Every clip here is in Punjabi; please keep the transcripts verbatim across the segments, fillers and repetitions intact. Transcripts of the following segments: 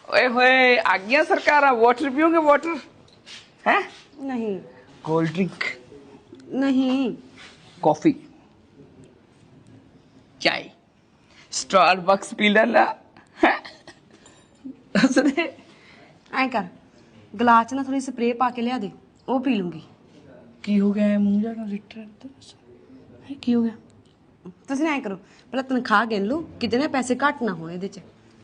ओए होए आ गया सरकार वाटर पियोगे वाटर हैं? नहीं कोल्ड ड्रिंक नहीं कॉफी चाय स्टारबक्स पी लेना हैं? दस दे ऐ कर गलास च ना थोड़ी स्प्रे पा के लिया दे वो पी लूंगी की हो गया है मुंह जाना रिटर की हो गया तुसीं ऐ करो पहले तनख्वाह गिन लो कितने पैसे घट ना होए इहदे च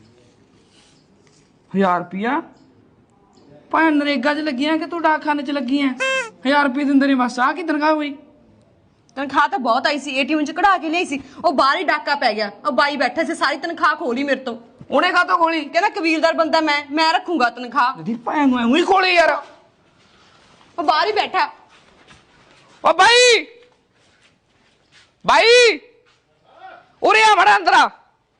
हजार रुपया भाई नरेगा च लगी है कि तू डाकखाने च लगी है हजार रुपये दिंदे ने बस आ की तनख्वाह हुई तनख्वाह तो बहुत आई सी एटीएम च कढ़ा के लियाई सी ਉਹ ਬਾਹਰ ਹੀ ਡਾਕਾ ਪੈ ਗਿਆ ਉਹ ਬਾਈ ਬੈਠਾ ਸੀ ਸਾਰੀ ਤਨਖਾਹ ਖੋਲੀ ਮੇਰੇ ਤੋਂ ਉਹਨੇ ਕਾਹਤੋਂ ਖੋਲੀ ਕਹਿੰਦਾ ਕਬੀਲਦਾਰ ਬੰਦਾ ਮੈਂ ਮੈਂ ਰੱਖੂੰਗਾ ਤਨਖਾਹ ਦੀ ਭੈਣ ਨੂੰ ਐਵੇਂ ਹੀ ਖੋਲੀ ਯਾਰ ਉਹ ਬਾਹਰ ਹੀ ਬੈਠਾ ਓ ਬਾਈ ਬਾਈ ਉਰੇ ਆ ਬੜਾ ਅੰਦਰ ਆ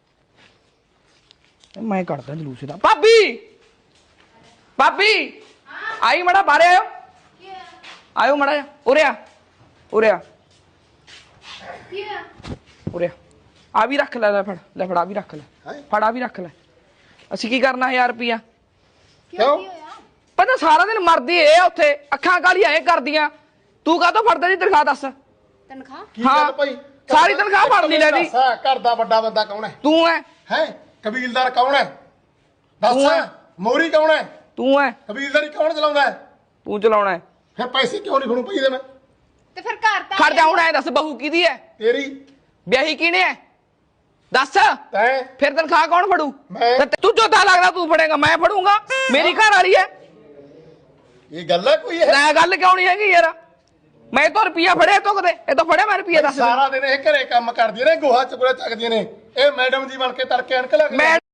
ਮੈਂ ਕੱਢਦਾ ਜਲੂਸ ਦਾ ਭਾਬੀ ਭਾਬੀ ਆਈ ਮੜਾ ਬਾਹਰ ਆਇਓ ਆਇਓ ਮੜਾ ਉਰੇ ਆ ਉਰੇ ਆ ਉਰੇ ਆ ਵੀ ਰੱਖ ਲੈ ਲੈ ਫੜ ਲੈ ਫੜਾ ਵੀ ਰੱਖ ਲੈ ਫੜਾ ਵੀ ਰੱਖ ਲੈ ਅਸੀਂ ਕੀ ਕਰਨਾ ਹਜ਼ਾਰ ਰੁਪਿਆ ਕਿਉਂ ਪਤਾ ਸਾਰਾ ਦਿਨ ਮਰਦੀ ਏ ਉੱਥੇ ਅੱਖਾਂ ਕਾਲੀਆਂ ਏ ਕਰਦੀਆਂ ਤੂੰ ਕਾਹਤੋਂ ਫੜਦਾ ਜੀ ਤਨਖਾਹ ਦੱਸ ਤਨਖਾਹ ਕੀ ਗੱਲ ਭਾਈ ਸਾਰੀ ਤਨਖਾਹ ਫੜ ਲਈ ਲੈ ਦੀ ਘਰ ਦਾ ਵੱਡਾ ਬੰਦਾ ਕੌਣ ਹੈ ਤੂੰ ਐ ਹੈ ਕਬੀਲਦਾਰ ਕੌਣ ਹੈ ਤੂੰ ਹੈ। ਦੱਸ ਮੋਰੀ ਕੌਣ ਹੈ ਤੂੰ ਐ ਕਬੀਲਦਾਰੀ ਕੌਣ ਚਲਾਉਂਦਾ ਹੈ ਤੂੰ ਚਲਾਉਣਾ ਹੈ ਫਿਰ ਪੈਸੇ ਕਿਉਂ ਨਹੀਂ ਫੜੂ ਪਈ ਦੇ ਮੈਂ ਤੇ ਫਿਰ ਘਰ ਤਾਂ ਖੜ ਜਾ ਹੁਣ ਐ ਦੱਸ ਬਹੂ ਕਿਹਦੀ ਐ ਤੇਰੀ ਵਿਆਹੀ ਕਿਹਨੇ ਐ ਦੱਸ ਤੈਂ ਫਿਰ ਤਨਖਾਹ ਕੌਣ ਫੜੂ ਮੈਂ। ਤੇ ਤੂੰ ਜੋਤਾ ਲੱਗਦਾ ਤੂੰ ਫੜੇਗਾ ਮੈਂ ਫੜੂੰਗਾ ਮੇਰੀ ਘਰ ਵਾਲੀ ਐ ਇਹ ਗੱਲ ਹੈ ਕੋਈ ਇਹ ਨਾ ਗੱਲ ਕਿਉਂ ਨਹੀਂ ਹੈਗੀ ਯਾਰ ਮੈਂ ਤਾਂ ਰੁਪਿਆ ਫੜਿਆ ਤੋ ਕਦੇ ਇਹ ਤਾਂ ਫੜਿਆ ਮੈਂ ਰੁਪਿਆ ਦੱਸ ਸਾਰਾ ਦਿਨ ਇਹ ਘਰੇ ਕੰਮ ਕਰਦੀਆਂ ਨੇ ਗੋਹਾ ਚੁਗਲਾ ਚੱਕਦੀਆਂ ਨੇ ਇਹ ਮੈਡਮ ਜੀ ਬਣ ਕੇ ਤੜਕੇ ਅਣਕ ਲੱਗ ਮੈਂ